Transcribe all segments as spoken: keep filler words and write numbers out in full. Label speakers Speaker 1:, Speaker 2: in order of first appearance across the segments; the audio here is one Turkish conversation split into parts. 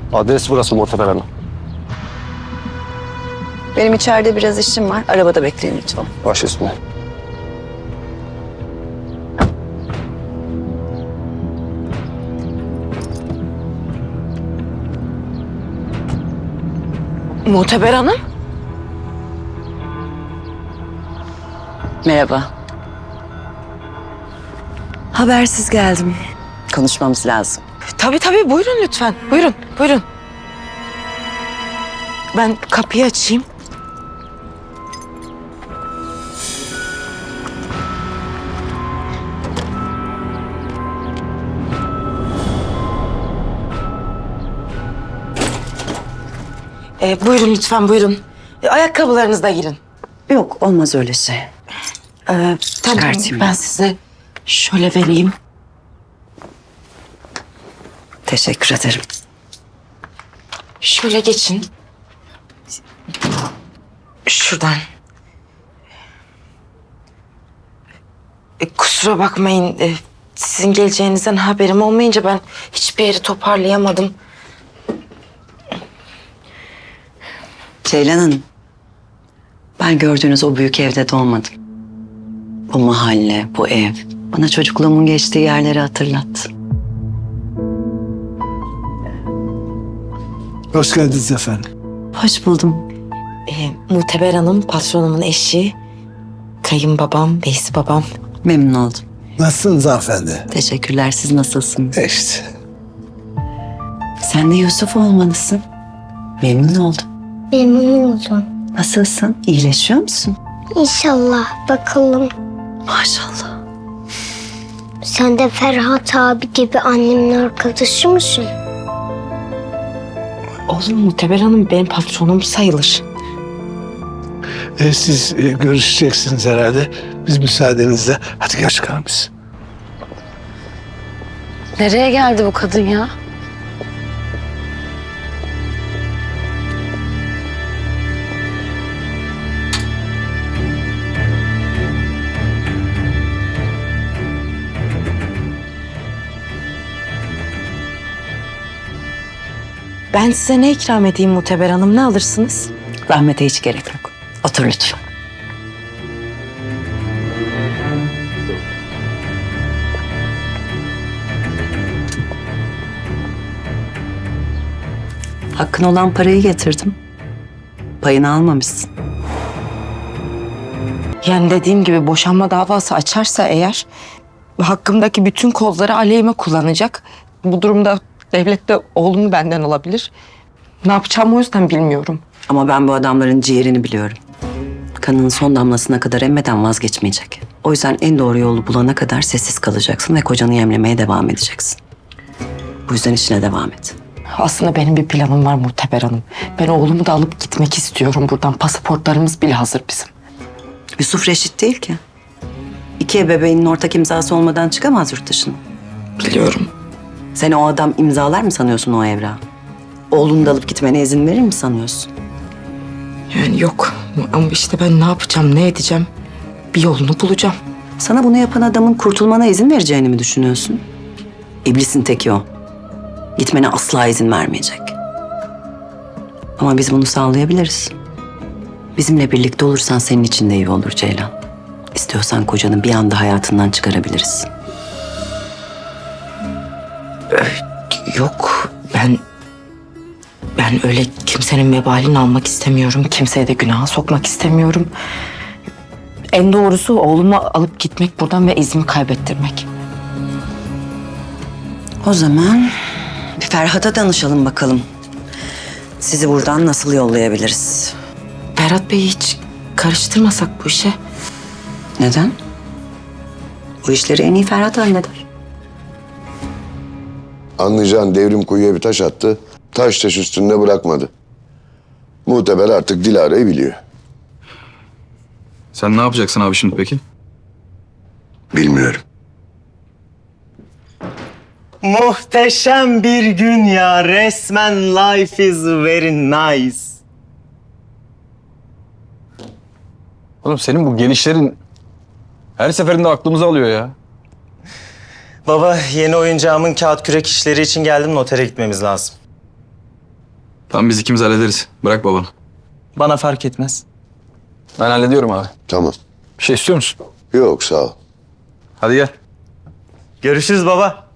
Speaker 1: Adres burası Muhteber Hanım.
Speaker 2: Benim içeride biraz işim var. Arabada bekleyin lütfen.
Speaker 1: Baş üstüne.
Speaker 3: Muhteber Hanım.
Speaker 2: Merhaba. Habersiz geldim. Konuşmamız lazım.
Speaker 3: Tabii tabii buyurun lütfen. Buyurun, buyurun. Ben kapıyı açayım. Ee, buyurun lütfen buyurun. Ee, ayakkabılarınızla girin.
Speaker 2: Yok, olmaz öyle şey.
Speaker 3: Ee, tamam,
Speaker 2: Çıkartayım.
Speaker 3: ben size şöyle vereyim.
Speaker 2: Teşekkür ederim.
Speaker 3: Şöyle geçin. Şuradan. E, kusura bakmayın. E, sizin geleceğinizden haberim olmayınca ben hiçbir yeri toparlayamadım.
Speaker 2: Ceylan Hanım, ben gördüğünüz o büyük evde doğmadım. Bu mahalle, bu ev bana çocukluğumun geçtiği yerleri hatırlattı.
Speaker 4: Hoş geldiniz efendim.
Speaker 2: Hoş buldum.
Speaker 3: E, Muhteber Hanım patronumun eşi. Kayınbabam, Veysi babam.
Speaker 2: Memnun oldum.
Speaker 4: Nasılsınız hanımefendi?
Speaker 2: Teşekkürler. Siz nasılsınız?
Speaker 4: İşte.
Speaker 2: Sen de Yusuf olmalısın. Memnun oldum.
Speaker 5: Memnun oldum.
Speaker 2: Nasılsın? İyileşiyor musun?
Speaker 5: İnşallah bakalım.
Speaker 2: Maşallah.
Speaker 5: Sen de Ferhat abi gibi annemin arkadaşı mısın?
Speaker 3: Oğlum Muhteber Hanım benim patronum sayılır.
Speaker 4: E, siz e, görüşeceksiniz herhalde. Biz müsaadenizle. Hadi gel çıkalım biz.
Speaker 6: Nereye geldi bu kadın ya?
Speaker 3: Ben size ne ikram edeyim Muhteber Hanım? Ne alırsınız?
Speaker 2: Rahmete hiç gerek yok. Otur lütfen. Hakkın olan parayı getirdim. Payını almamışsın.
Speaker 3: Yani dediğim gibi boşanma davası açarsa eğer hakkımdaki bütün kozları aleyhime kullanacak. Bu durumda devlet de oğlumu benden alabilir. Ne yapacağımı o yüzden bilmiyorum.
Speaker 2: Ama ben bu adamların ciğerini biliyorum. Kanının son damlasına kadar emmeden vazgeçmeyecek. O yüzden en doğru yolu bulana kadar sessiz kalacaksın ve kocanı yemlemeye devam edeceksin. Bu yüzden işine devam et.
Speaker 3: Aslında benim bir planım var Muhteber Hanım. Ben oğlumu da alıp gitmek istiyorum buradan. Pasaportlarımız bile hazır bizim.
Speaker 2: Yusuf reşit değil ki. İki ebeveynin ortak imzası olmadan çıkamaz yurt dışına.
Speaker 3: Biliyorum.
Speaker 2: Sen o adam imzalar mı sanıyorsun o evrağı? Oğlunu da alıp gitmene izin verir mi sanıyorsun?
Speaker 3: Yani yok. Ama işte ben ne yapacağım, ne edeceğim? Bir yolunu bulacağım.
Speaker 2: Sana bunu yapan adamın kurtulmana izin vereceğini mi düşünüyorsun? İblisin teki o. Gitmene asla izin vermeyecek. Ama biz bunu sağlayabiliriz. Bizimle birlikte olursan senin için de iyi olur Ceylan. İstiyorsan kocanı bir anda hayatından çıkarabiliriz.
Speaker 3: Yok, ben... Ben öyle kimsenin vebalini almak istemiyorum. Kimseye de günaha sokmak istemiyorum. En doğrusu oğlumu alıp gitmek buradan ve izimi kaybettirmek.
Speaker 2: O zaman bir Ferhat'a danışalım bakalım. Sizi buradan nasıl yollayabiliriz?
Speaker 3: Ferhat Bey'i hiç karıştırmasak bu işe.
Speaker 2: Neden? Bu işleri en iyi Ferhat halleder.
Speaker 7: Anlayacağın devrim kuyuya bir taş attı. Taş taş üstünde bırakmadı. Muhteber artık Dilara'yı biliyor.
Speaker 8: Sen ne yapacaksın abi şimdi peki?
Speaker 7: Bilmiyorum.
Speaker 9: Muhteşem bir gün ya. Resmen life is very nice.
Speaker 8: Oğlum senin bu gelişlerin her seferinde aklımızı alıyor ya.
Speaker 9: Baba, yeni oyuncağımın kağıt kürek işleri için geldim. Notere gitmemiz lazım.
Speaker 8: Tamam biz ikimiz hallederiz. Bırak babanı.
Speaker 9: Bana fark etmez.
Speaker 8: Ben hallediyorum abi.
Speaker 7: Tamam.
Speaker 8: Bir şey istiyor musun?
Speaker 7: Yok sağ ol.
Speaker 8: Hadi gel.
Speaker 9: Görüşürüz baba.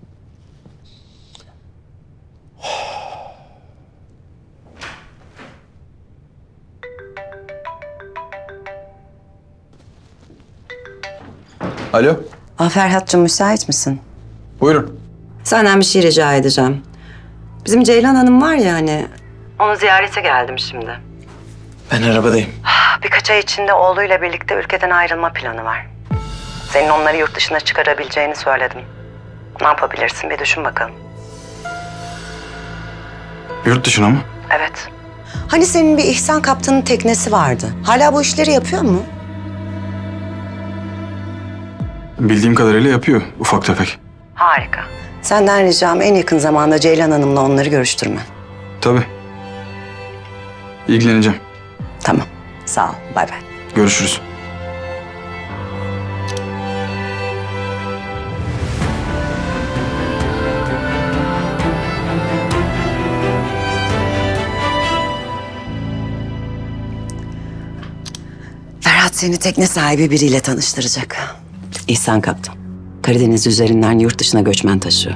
Speaker 8: Alo.
Speaker 2: Ah Ferhat'cığım müsait misin?
Speaker 8: Buyurun.
Speaker 2: Senden bir şey rica edeceğim. Bizim Ceylan Hanım var ya hani... Onu ziyarete geldim şimdi.
Speaker 9: Ben arabadayım.
Speaker 2: Birkaç ay içinde oğluyla birlikte ülkeden ayrılma planı var. Senin onları yurt dışına çıkarabileceğini söyledim. Ne yapabilirsin bir düşün bakalım.
Speaker 8: Yurt dışına mı?
Speaker 2: Evet. Hani senin bir İhsan Kaptan'ın teknesi vardı. Hala bu işleri yapıyor mu?
Speaker 8: Bildiğim kadarıyla yapıyor ufak tefek.
Speaker 2: Harika. Senden ricam en yakın zamanda Ceylan Hanım'la onları görüştürme.
Speaker 8: Tabii. İlgileneceğim.
Speaker 2: Tamam. Sağ ol. Bay bay.
Speaker 8: Görüşürüz.
Speaker 2: Ferhat seni tekne sahibi biriyle tanıştıracak. İhsan Kaptan. Karadeniz üzerinden yurt dışına göçmen taşıyor.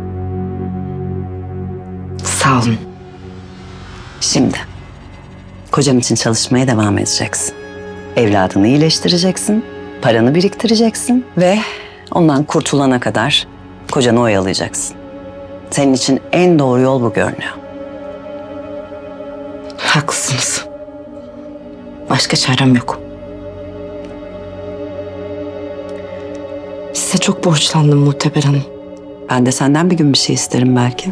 Speaker 3: Sağ olun.
Speaker 2: Şimdi kocan için çalışmaya devam edeceksin. Evladını iyileştireceksin, paranı biriktireceksin ve ondan kurtulana kadar kocanı oyalayacaksın. Senin için en doğru yol bu görünüyor.
Speaker 3: Haklısınız. Başka çarem yok. Size çok borçlandım Muhteber Hanım.
Speaker 2: Ben de senden bir gün bir şey isterim belki.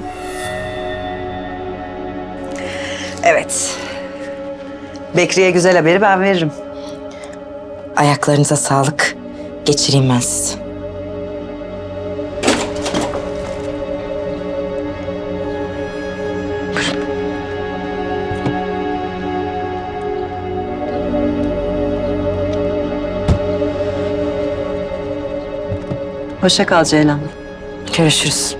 Speaker 2: Evet. Bekri'ye güzel haberi ben veririm.
Speaker 3: Ayaklarınıza sağlık. Geçireyim ben sizi.
Speaker 2: Hoşça kal Ceylan.
Speaker 3: Görüşürüz.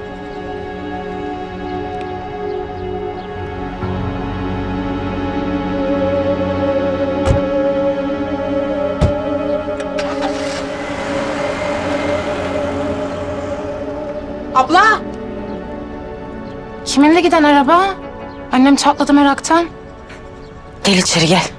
Speaker 6: Abla! Kiminle giden araba? Annem çatladı meraktan.
Speaker 3: Gel içeri gel.